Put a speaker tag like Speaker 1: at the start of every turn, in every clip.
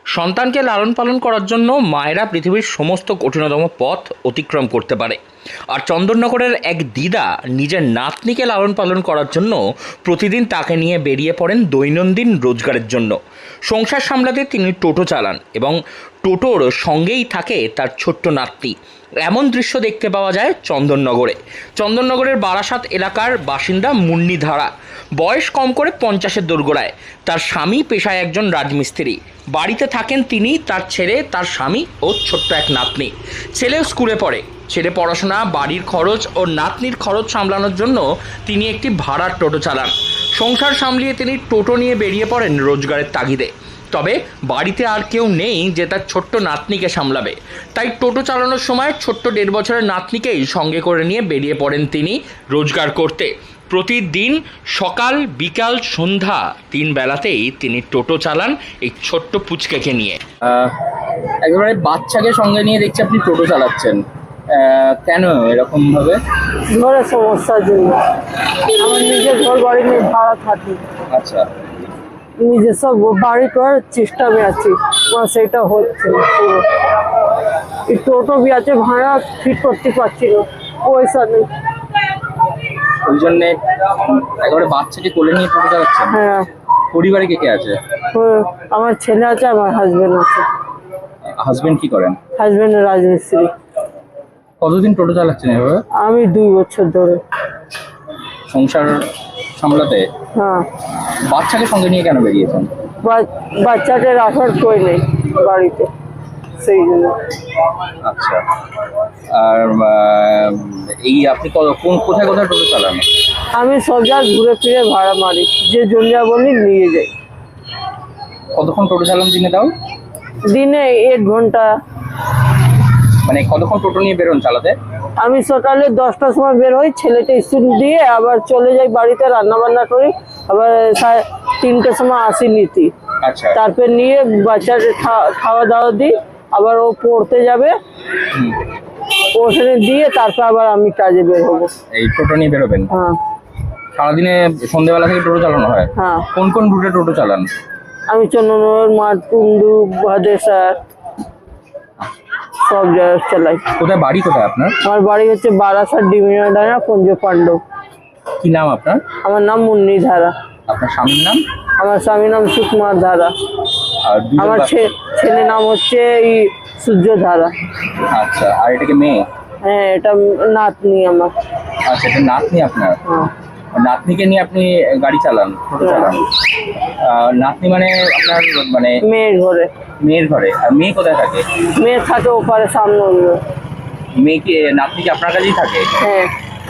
Speaker 1: সন্তানকে লালন পালন করার জন্য মায়েরা পৃথিবীর সমস্ত কঠিনতম পথ অতিক্রম করতে পারে। আর চন্দননগরের এক দিদা নিজের নাতনিকে লালন পালন করার জন্য প্রতিদিন তাকে নিয়ে বেরিয়ে পড়েন দৈনন্দিন রোজগারের জন্য। সংসার সামলাতে তিনি টোটো চালান এবং টোটোর সঙ্গেই থাকে তার ছোট্ট নাতনি। এমন দৃশ্য দেখতে পাওয়া যায় চন্দননগরের বারাসাত এলাকার বাসিন্দা মুন্নি ধারা। বয়স কম করে 50-এর দোরগোড়ায়। তার স্বামী পেশায় একজন রাজমিস্ত্রি। বাড়িতে থাকেন তিনি, তার ছেলে, তার স্বামী ও ছোট্ট এক নাতনি। ছেলেও স্কুলে পড়ে। ছেলে পড়াশোনা, বাড়ির খরচ ও নাতনির খরচ সামলানোর জন্য তিনি একটি ভাড়ার টোটো চালান। সংসার সামলিয়ে তিনি টোটো নিয়ে বেরিয়ে পড়েন রোজগারের তাগিদে। তবে বাড়িতে আর কেউ নেই যে তার ছোট্ট নাতনিকে সামলাবে। তাই টোটো চালানোর সময় ছোট্ট 1.5 বছরের নাতনিকেই সঙ্গে করে নিয়ে বেরিয়ে পড়েন তিনি রোজগার করতে। প্রতিদিন সকাল, বিকাল, সন্ধ্যা 3 বেলাতেই তিনি টোটো চালান এই ছোট্ট পুচকেকে নিয়ে।
Speaker 2: একেবারে বাচ্চাকে সঙ্গে নিয়ে দেখছি আপনি টোটো চালাচ্ছেন, কেন এরকম ভাবে?
Speaker 3: ঘরের সমস্যার জন্য। আমার নিজের ঘর বাড়ি নিয়ে ভাড়া থাকি।
Speaker 2: আচ্ছা,
Speaker 3: নিজের সব বাড়ি করার চেষ্টা আমি আছি, আমার সেটা হচ্ছে না পুরো। এই টোটো বি আছে, ভাড়া ঠিক করতে পারছি না, পয়সা নেই।
Speaker 2: ওই জন্যে একেবারে বাচ্চাকে কোলে নিয়ে টোটো চালাচ্ছেন?
Speaker 3: হ্যাঁ।
Speaker 2: পরিবারে কে কে আছে?
Speaker 3: আমার ছেলে আছে, আমার হাজবেন্ড আছে।
Speaker 2: হাজবেন্ড কি করেন?
Speaker 3: হাজবেন্ড রাজমিস্ত্রি।
Speaker 2: কতদিন টোটো চালাচ্ছেন এভাবে?
Speaker 3: আমি 2 বছর ধরে।
Speaker 2: সংসার সামলাতে?
Speaker 3: হ্যাঁ।
Speaker 2: বাচ্চাকে সঙ্গে নিয়ে কেন বেরিয়েছেন?
Speaker 3: বাচ্চাকে রাখার কেউ নেই বাড়িতে, সেই জন্য।
Speaker 2: আচ্ছা, আর এই আপনি কোথায় কোথায় টোটো চালান?
Speaker 3: আমি সব জায়গায় ঘুরে ফিরে ভাড়া মারি, যে জমিয়া বলি নিয়ে যাই।
Speaker 2: কতক্ষণ টোটো চালান দিনে দাও?
Speaker 3: দিনে 1 ঘন্টা।
Speaker 2: মানে কতক্ষণ টোটো নিয়ে বেরোন চালাতে?
Speaker 3: আমি সকালে 10টার সময় বের হই, ছেলেটা স্কুল দিয়ে আবার চলে যাই বাড়িতে, রান্না বান্না করি, আবার 3টের সময় আসি নিতি।
Speaker 2: আচ্ছা,
Speaker 3: তারপর নিয়ে বাচ্চাকে খাওয়া দাওয়া দিই, আবার ও পড়তে যাবে, ওখানে দিয়ে তারপর আবার আমি কাজে বের হবো।
Speaker 2: এই টোটো নিয়ে বেরোবেন?
Speaker 3: হ্যাঁ।
Speaker 2: সারাদিনে সন্ধ্যেবেলা থেকে টোটো চালানো হয়?
Speaker 3: হ্যাঁ।
Speaker 2: কোন কোন রুটে টোটো চালান?
Speaker 3: আমি চন্দননগর, মাঠকুন্ডু, ভাদেসার সব জায়গায় চালাই।
Speaker 2: কোথায় বাড়ি, কোথায় আপনার?
Speaker 3: আমার বাড়ি হচ্ছে বারাসাত, ডিমিনাডাঙ্গা, পঞ্জ পাণ্ডব।
Speaker 2: কি নাম আপনার?
Speaker 3: আমার নাম মুন্নি ধারা।
Speaker 2: আপনার স্বামীর নাম?
Speaker 3: আমার স্বামীর নাম সুকুমার ধারা।
Speaker 2: আর
Speaker 3: আমার ছেলের নাম হচ্ছে সূর্য ধারা।
Speaker 2: আচ্ছা, আর এটা কি মেয়ে?
Speaker 3: হ্যাঁ, এটা নাতনি আমার।
Speaker 2: আচ্ছা, এটা নাতনি আপনার?
Speaker 3: হ্যাঁ।
Speaker 2: নাতনিকে নিয়ে আপনি গাড়ি চালান, টোটো চালান? নাতনি মানে আপনার মানে
Speaker 3: মেয়ের ঘরে।
Speaker 2: মেয়ের ঘরে? আর মেয়ে কোথায় থাকে?
Speaker 3: মেয়ে থাকে ওপারে, সামনে।
Speaker 2: মেয়েকে, নাতনি কি আপনার কাছেই থাকে?
Speaker 3: হ্যাঁ।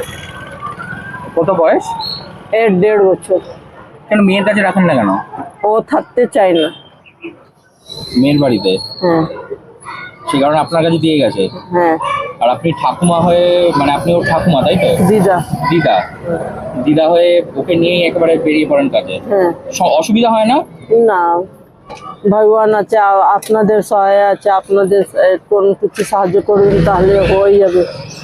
Speaker 2: কত বয়স?
Speaker 3: এর 1.5 বছর।
Speaker 2: কেন মেয়ের কাছে রাখেন না কেন?
Speaker 3: ও থাকতে চায় না
Speaker 2: মেয়ের বাড়িতে?
Speaker 3: হ্যাঁ।
Speaker 2: সে কারণে আপনার কাছে দিয়ে গেছে?
Speaker 3: হ্যাঁ।
Speaker 2: আর আপনি ঠাকুমা হয়ে, মানে আপনি ওর ঠাকুমা, তাই তো?
Speaker 3: দিদা।
Speaker 2: দিদা, দিদা হয়ে ওকে নিয়েই একেবারে বেরিয়ে পড়েন কাজে।
Speaker 3: হ্যাঁ।
Speaker 2: অসুবিধা হয় না?
Speaker 3: না, ভগবান আছে, আপনাদের সহায় আছে, আপনাদের কোন কিছু সাহায্য করবেন তাহলে হয়ে যাবে।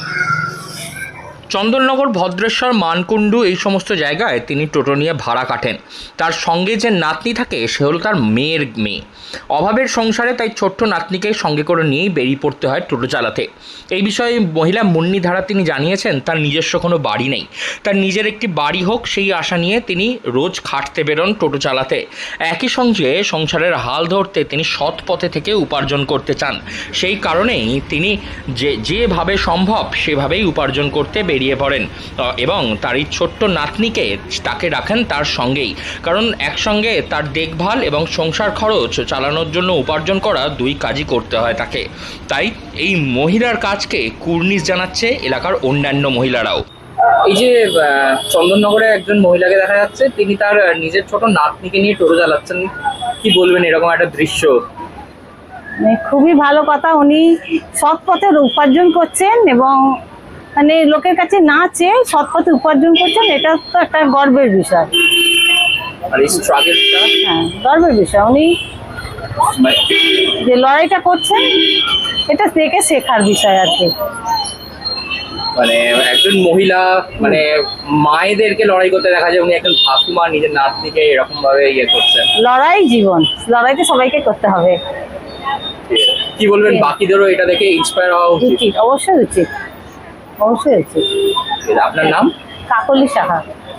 Speaker 1: চন্দননগর, ভদ্রেশ্বর, মানকুণ্ডু এই সমস্ত জায়গায় তিনি টোটো নিয়ে ভাড়া কাটেন। তার সঙ্গে যে নাতনি থাকে সে হলো তার মেয়ের মেয়ে। অভাবের সংসারে তাই ছোট্ট নাতনিকে সঙ্গে করে নিয়েই বেরিয়ে পড়তে হয় টোটো চালাতে। এই বিষয়ে মহিলা মুন্নি ধারা তিনি জানিয়েছেন তার নিজস্ব কোনো বাড়ি নেই, তার নিজের একটি বাড়ি হোক সেই আশা নিয়ে তিনি রোজ খাটতে বেরোন টোটো চালাতে। একই সঙ্গে সংসারের হাল ধরতে তিনি সৎ পথে থেকে উপার্জন করতে চান। সেই কারণেই তিনি যেভাবে সম্ভব সেভাবেই উপার্জন করতে বেরিয়ে পড়েন এবং তার এই ছোট্ট নাতনিকে তাকে রাখেন তার সঙ্গেই। কারণ একসঙ্গে তার দেখভাল এবং সংসার খরচ চালানোর জন্য উপার্জন করা 2 কাজই করতে হয় তাকে। তাই এই মহিলার কাজকে কুর্নিশ জানাচ্ছে এলাকার অন্যান্য মহিলারাও।
Speaker 2: এই যে চন্দননগরে একজন মহিলাকে দেখা যাচ্ছে, তিনি তার নিজের ছোট নাতনিকে নিয়ে টোটো চালাচ্ছেন, কি বলবেন এরকম একটা দৃশ্য?
Speaker 4: খুবই ভালো কথা, উনি সৎ পথে উপার্জন করছেন এবং মানে লোকের কাছে না চেয়ে সৎ পথে উপার্জন করছেন, এটা তো একটা গর্বের বিষয়।
Speaker 2: আর এই স্ট্রাগলটা?
Speaker 4: হ্যাঁ, গর্বের বিষয়। উনি যে লড়াইটা করছেন এটা থেকে শেখার বিষয় আর কি।
Speaker 2: মানে একজন মহিলা মানে মায়েদেরকে লড়াই করতে দেখা যায়, উনি একজন ঠাকুমা নিজের নাতনিকে এরকম ভাবে ইয়ে করছেন।
Speaker 4: লড়াই জীবন, লড়াইতে সবাইকে করতে হবে।
Speaker 2: কি বলবেন বাকিদেরও এটা দেখে ইন্সপায়ার হওয়া উচিত?
Speaker 4: উচিত, অবশ্যই উচিত, অবশ্যই উচিত।
Speaker 2: আপনার নাম?
Speaker 4: কাকলি সাহা।